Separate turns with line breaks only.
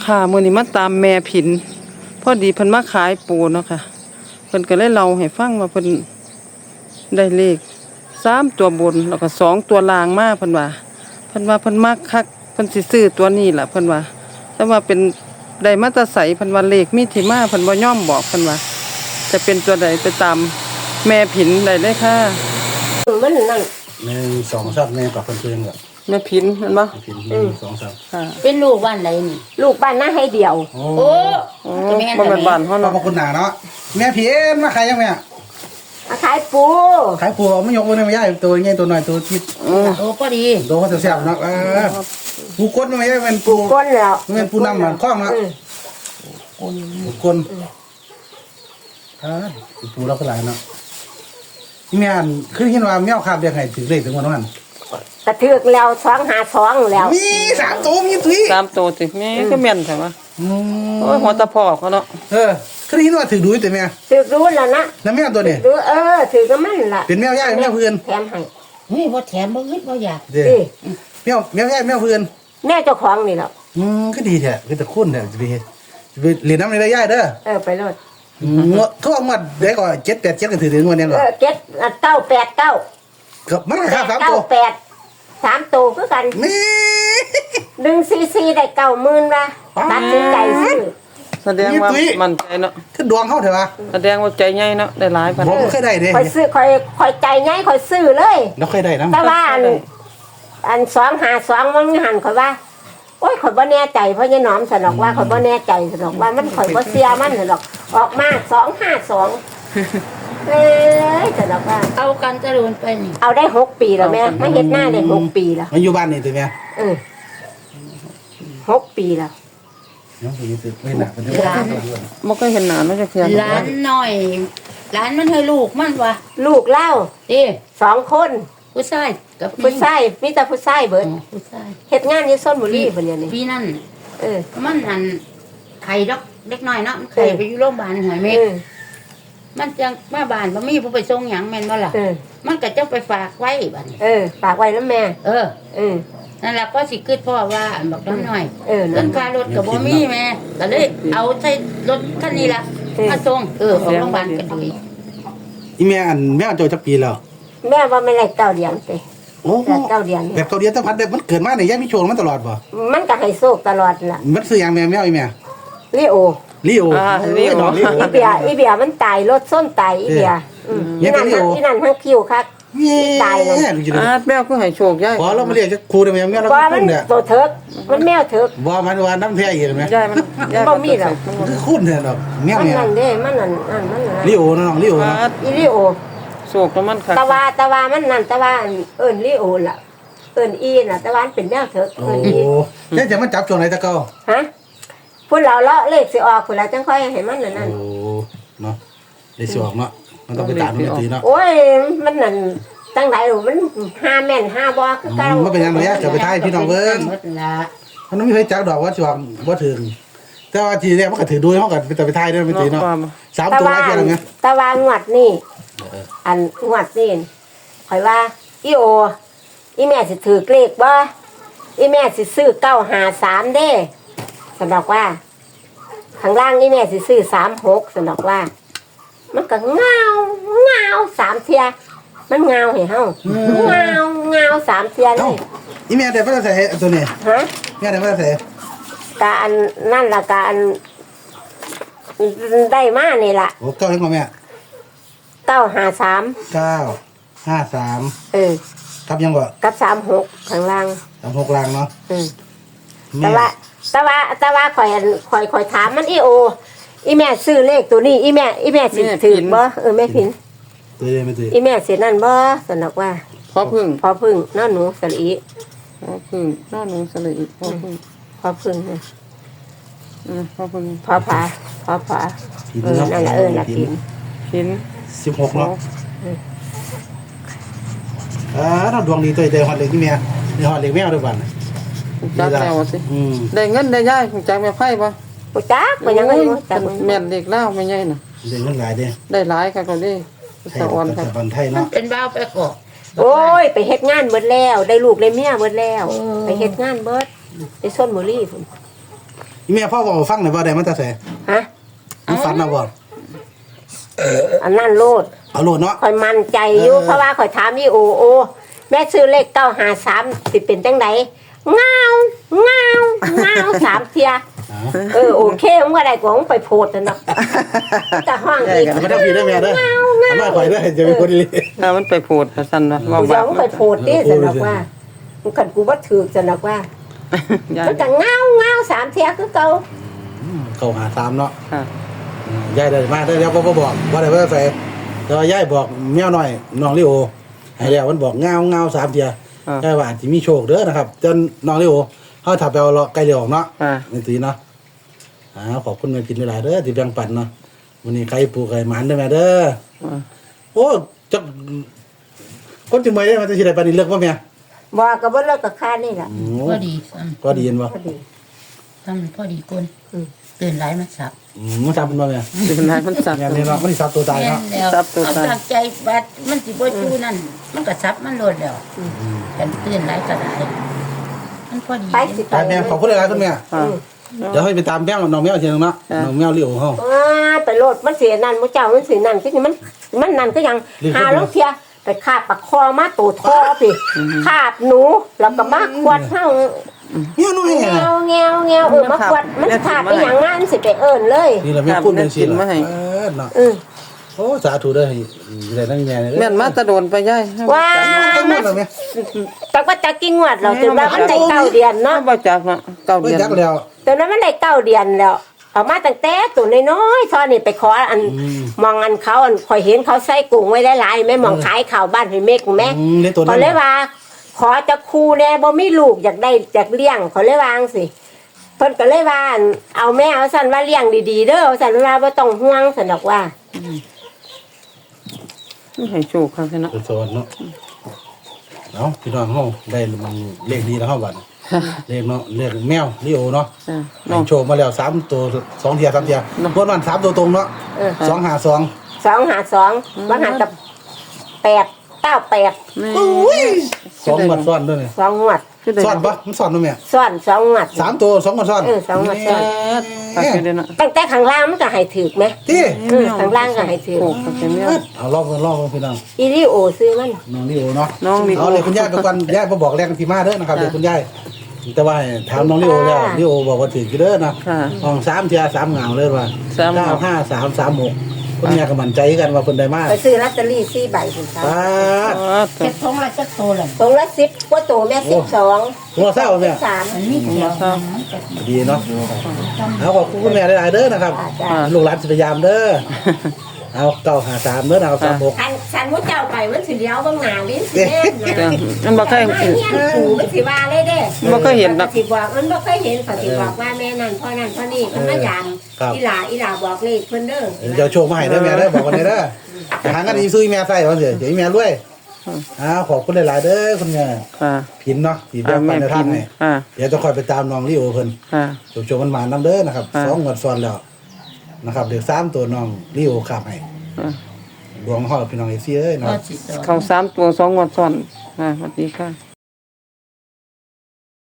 ค่ะมื้อนี้มาตามแม่ผินพอดีเพิ่นมาขายปูเนาะค่ะเพิ่นก็เลยเล่าให้ฟังว่าเพิ่นได้เลข3ตัวบนแล้วก็2ตัวล่างมาเพิ่นว่าเพิ่นมักคักเพิ่นสิซื้อตัวนี้ล่ะเพิ่นว่าแต่ว่าเป็นได้มาแตะไสเพิ่นว่าเลขมีที่มาเพิ่นบ่ยอมบอกเพิ่นว่าจะเป็นตัวใดไปตามแม่ผินได้เลยค่ะ
มันนั่น
1 2 3แม่กับเพื่อนๆกับ
แม่ผินเห็นบ่
1 2 3
ค่ะ
เป็นลูกบ้านไหนนี่
ลูกบ้านน่าให้เดียว
โอ้
บ่แม่นบ้านเฮา
ขอ
เนาะ
บคุณหนาเนาะแม่พี่มาขายยังแม่
มาขายปู
ขายปูไม่ยกมือไม่ย่ายตัวใหญ่ตัวน้อยตัวทิด
โอ้พอดี
ตัวเขาแซ่บๆเนาะปูก้นไม่ย่ายเป็นปู
ก้นแล้ว
เป็นปูน้ำมันคล้องเนาะปูก้นปูเราก็หลายเนาะแม่คือเห็นว่าแมวคาบเรียกให้ถึงเลขถึงวันนั้น
กระเทือกแล้ว252แล้ว
มี3ตัวมีตุ้ย
3ตัวสิแม่ก็แม่นใช่ป่ะโอ้ยหัวตะพอกเขาเนาะ
คือเห็นว่าถือดูแต่แม่
ถือรู้แล้วนะ
แล้วแมวตัวนี้
ดูถือก็มันล่ะ
เป็นแมวย่ายแมวเพื่อน
แถมให้
นี่บ่แถมบ่อึดบ่อยาก
แมวย่ายแมวเพื่อน
แม่เจ้าของนี่แหละ
ก็ดีแท้คือแต่คุ้นแท้จะไปเรียนน้ำในได้ย่ายเด้อ
ไปโลด
ทั่วหมดได้ก่อน7 8 7กันถือถึงวันนี้เหรอ
989
ก็มันราคา3ตัว
3ตัวคือกัน
นี่
144ได้90,000ว่ะตัดสินใจซื้อ
แสดงว่ามั่นใจเนาะ
คือดวงเข้าเถอะวะ
แสดงว่าใจใหญ่เนาะได้หลายพัน
ผมเคยได้เด้
ค่อยซื้อค่อยใจง่ายค่อยซื้อเลย
แล้วเคยได้นะ
แต่ว่าอัน252มันหันข่อยว่าโอ้ยข่อยบ่แน่ใจเพราะยายหนอมสนอกว่าข่อยบ่แน่ใจสนอกว่ามันข่อยบ่เสียมันสนอกออกมา252สนอกว่า
เอากันจะโดนไปนี่
เอาได้6ปีแล้วแม่ไม่เฮ็ดหน้าได้6ปีแล้ว
มันอยู่บ้านนี่ตัวแม่
6ปีแล้ว
น้องสิไม่หนักมันจะ
บ่เคยเห็นหน้าเนาะจักเทื่อ
ร้านน้อยร้านมันให้ลูกมันวะ
ลูกเล่า2คน
ผู้ชายกับ
ผู้ชายมีแต่ผู้ชายเบิด
ผู้ชาย
เฮ็ดงานอยู่ชลบุรีเพิ่นนี่
พี่นั่นมันอันไข่ดอกเล็กน้อยเนาะไข่ไปอยู่โรงพยาบาลหอยเม็ดมันจังมาบ้านบ่มีผู้ไปส่งหยังแม่นบ่ล่ะมันก็จะไปฝากไว้บัดนี้
ฝากไว้นำแม่
นั่นล่ะก็สิคิดพ่อว่าอันบอกน้อยเงินค่ารถก็บ่มีแม่ก็เลยเอาใช้รถคันนี้ล่ะมาส่งของโรงพยาบาลกันด้วย
อีแม่อันแม่โตจักปีแล้ว
แม่ว่าไม่ได้9 เดือนติ
โอ้
9 เดือน
แบบ9 เดือนถ้าพัดได้มันเกิดมาเนี่ยยังมีโชคมันตลอดบ่
มันก็ให้โชคตลอดล่ะ
มันซื้อหยังแม่อีแม่
ลิโอ
อี
เบียมันตายรถส้นตายอีเบียอีนั่นทั้งคิวคักตายเลย
แมวก็ให้โชคยาย
พอเรามาเรียกครูได้มั้ยแม่เรา
คุ้นเนี่ยตัวเถิกมันแมวเถิก
บ่มันว่าน้ำแท้อีกมั้ย
ยายมัน
บ่มีหรอก
คือคุ้นเนี่ยดอกแมวเนี่ย
มันนั่นเด้มันนั่น
ลิโอน้องลิโอนะ
อีลิโอ
โชคแล้วมันค่ะ
ตะวามันนั่นตะวาลิโอล่ะอีน่ะตะวาเป็นแมวเถิกอี
แล้วจะมันจับช่วงไหนตะเก้า
ฮะพุ่นเราเลาะเลขสิออกพุ่นแล้วจังค่อยให้มันนั่น
โอ้เนาะได้สิออกเนาะมันต้องไปตามมันตีเนาะ
โอ้ยมันนั่นตั้งไหนมัน5แม่น5บ่คือเก่า
มันเป็นยังไงจะไปทายพี่น้องเบิ่งมันไม่มีใครจักดอกว่าสิออกบ่ถึงแต่ว่าทีแรกมันก็ถือดูมันก็ไปทายได้ไม่ตีเนาะ3ตัวแล้วเท่านั้นไง
ตะวางวดนี่อันงวดนี่ข่อยว่าอีแม่สิถือเลขบ่อีแม่สิซื้อ953เด้สำหรับว่าข้างล่างอีแม่สิซื้อ36สำหรับว่ามันก็เงา3เที่ยมันเงาให้เฮาเงา3เที่ยเลย
อีแม่ได้บ่ได้ใส่ตัวนี้
ฮะ
แม่ได้บ่ได้ใส่
การนั่นล่ะการได้มานี่ล่ะ
โอ้เก้าให้พ่อแม่
953
กับยังบ่
กับ36ข้างล่าง
36ล่างเนาะ
แต่ว่าข่อยถามมันอีแม่ซื้อเลขตัวนี้อีแม่สิถือบ่แม่พิน
ตัวไม่ถือ
อีแม่สินั่นบ่สนอกว่า
พอพึ่ง
น้าหนูสลี
พอพึ่งน้าหนูสลีพอพึ่ง
พอพึ่ง
พอพึ่ง
พอผานั่นแหละละพิน
16เนาะเราดวงดีตัวเดียวฮอดเล็กนี่แม่นี่ฮอดเล็กแมวด้วยกัน
จักแมวสิได้เงินได้ย่ายจักแม่ไผ่บ่
บ่จักมันยังไงจัก
แม่นเด็กแล้วไม่ใหญ่น่ะ
ได้เงินหลายเด้
ได้หลายค่ะก็ได้สะออนค่ะ
ไทยเนาะ
เป็นบ้าวไปกอก
โอ้ยไปเฮ็ดงานเบิดแล้วได้ลูกได้เมียเบิดแล้วไปเฮ็ดงานเบิดไปชลบุรีพุ่น
อีแม่พ่อบอกฟังหน่อยว่าได้มันจะใส่
ฮะ
มันฝันเอาบ่
อันนั้นโลด
เอาโลดเนาะ
ข่อยมั่นใจอยู่เพราะว่าข่อยถามอีโอแม่ซื้อเลข953สิเป็นจังไดเงา3เที่ย โอเคมึงว่าได้กว่ามึงไปโพดนั่นเนาะแต่ห้องอีก
เอามาทำผิดได้แม่เด้อเอามาข่อยเด้อจะเป็นคนดี
ถ้ามันไปโพดซั่นว่า
กูจะมึงไปโพดดิสนอกว่ามึงคันกูบ่ถูกสนอกว่า
ยาย
มันก็เงา3เที่ยคือเก่า
เข้าหาตามเนาะ
ค่ะ
ยายได้มาได้แล้วบ่บอกว่าได้ว่าใส่แต่ว่ายายบอกแมวน้อยน้องลิโอให้แล้วมันบอกเงา3เที่ยยายว่าสิมีโชคเด้อนะครับจนน้องลิโอเฮาถ้าไปเอาเลาะไกลเลี้ยวเนาะ
ค่ะ
นี่ตีเนาะขอบคุณแม่กินเวลาเด้อที่แบ่งปันเนาะวันนี้ใครปลูกใครหมันเด้อแม่เด้อโอ้จักคนจึงไม่ได้มันจะสิได้ปานนี้เลือกบ่แม่
บ่ก็บ่เลิกกับค่านี่ล่ะ
พอดีซ้
ก็ดีเห็นบ่
พอดี
ำซ้ำพอดีคนตื่นหลายมันสับ
มันจับมันบ่แม่
เป็นไรมันสับ
อย่างนี้เนาะมันสิสับตัวตาย
แม่
เนาะ
นแล้ว
สับตัว
เอา
ตาย
ตั้งใจบัดมันสิบ่จูนั่นมันก็สับมันโลดแล้วกันตื่นหลายก็ได้มันพอดี
ไปสิไป
แม่ขอบคุณหลายๆคุณแม่
ค่ะ
เดี๋ยวให้ไปตามแม่น้องแมวทีนึงเนาะน้องแมวลิโอเฮา
ไปโลดมันเสียนั่นมื้อเจ้ามันสินั่นคือมันนั่นก็ยังหาลงเที่ยไปคาบปากคอมาตูดคอพี่คาบหนูแล้วก็มาขวดเฮา
แม่น้อย
แง
น่ะ
วมาขวดมันขาดไปอย่างงั้นสิไปเอิ้นเลย
นี่แหละแม่พูดจังซี่ล่ะเนาะ
อือ
โอ้สาธุเด้อให้ได้ทั้งแม่เลย
แม่นมาแตะโดนไปยาย
ว่า
ทั้งหมดเลยแม่
แต่ว่าจะกี่งวดเราถึงว่ามันได้9เดือนเนาะ
บ่จักเนาะเก้า
ไม่
เดือน
จักแล้ว
ตอนนั้นมันได้9เดือนแล้วเอามาตั้งแต่ตัวน้อยๆตอนนี้ไปขออันมองอันเขาอันข่อยเห็นเขาใส่กุ้งไว้หลายๆแม่มองขายข้าวบ้านให้เมกแม่
ได้ตัว
ขอ
นั้น
เลยว่า ขอจะครูแน่บ่มีลูกอยากได้อยากเลี้ยงขอเลยวาจั่งสิเพิ่นก็เลยว่าเอาแม่เอาสั่นว่าเลี้ยงดีๆเด้อเอาสั่นว่าบ่ต้องห่วงสั่นดอกว่า
ให้โชคค่ะเนาะ
เป็นโซนเนาะเนาะพี่น้องเฮาได้มันเลขดีแล้วเฮาบัดเลขเนาะเลขแมวลิโอเนาะ
จ้ะ
น้อ
เนาะ
งโชว์มาแล้ว3ตัว2เทีย3เทียงวดวัน3ตัวตรงเนาะ
เออ
252
252ว่าหันกับ898
2งวดซ้อนด้วยนี่
2งวด
ซ้อนปะมันซ้อนด้วยแม่
ซ้อน2งวด
3ตัว2งวดซ้อน
2งวดซ้อน
ฝากเด้อเนาะ
ตั้งแต่ข้างล่างมันก็ให้ถูกไหม
ที่
ข้างล่างก็ให้ถูก
โชคค่ะแม่
เอารอบพี่น้อง
อีลิโอซื้อมัน
น้องลิโอเนาะ
น้องลิโอ
เอาเลยคุณยายไปก่อนยายบ่บอกแรงที่มาเด้อนะครับเลยคุณยายแต่ว่าถามน้องลิโอแล้วลิโอบอกว่าถือกี่เด้อนะ
ค่ะ
ห้อง3เทีย3เหงาเลยว่า
สามเหงา
95336คุณยายก็มั่นใจกันว่าเพิ่นได้มา
ไปซื้อลอตเตอรี่4ใบคุณครับ
ป้าด
อ๋อ
เจ็ดทงละจักโตเลย
ตรงละ10กว่าโตแม่12
หัวเศร้าแม่
3
มันมีเดียว
ดีเนาะเอาขอบคุณคุณแม่หลายๆเด้อนะครับ
จ้า
ลูกหลานสิพยายามเด้อเอา953เด้อเอา36
ฉันมุเจ้าไปมันสิเลี้ยวเบางหน้าลิ้นสิแม่น
จ้ะ
นะ
มันบ่เคย
มาเฮียนปู่มันสิว่าเลยเด้
บ่เคยเห็นดอก
สิบอกมันบ่เคยเห็นเขาสิบอกว่าแม่นั่นพ่อนั่นพ่อนี่มันมายามอีหลาบอกเลขเพิ่นเด้อ
เจ้าโชคมาให้เด้อแม่เด้อบอกกันเด้อหาเงินอีซื้อแม่ใส่ว่าสิเดี๋ยวแม่รวยขอบคุณหลายๆเด้อคุณแม่
ค่ะ
พินเนาะที่แบ่งปันในทางให้
ค่ะ
เดี๋ยวจะคอยไปตามน้องลิโอเพิ่น
ค่ะ
โชคมันมานํเด้อนะครับ
ค่ะ
2งวดซ้อนแล้วนะครับเด็ก3ตัวน้องลิโอขับให้
ค่ะ
ดวงเฮาพี่น้องเอฟซีเอ้ย
ก็
เนาะ
สิต่อ
เข้า3ตัว2งวดซ้อนค่ะสวัสดีค่ะ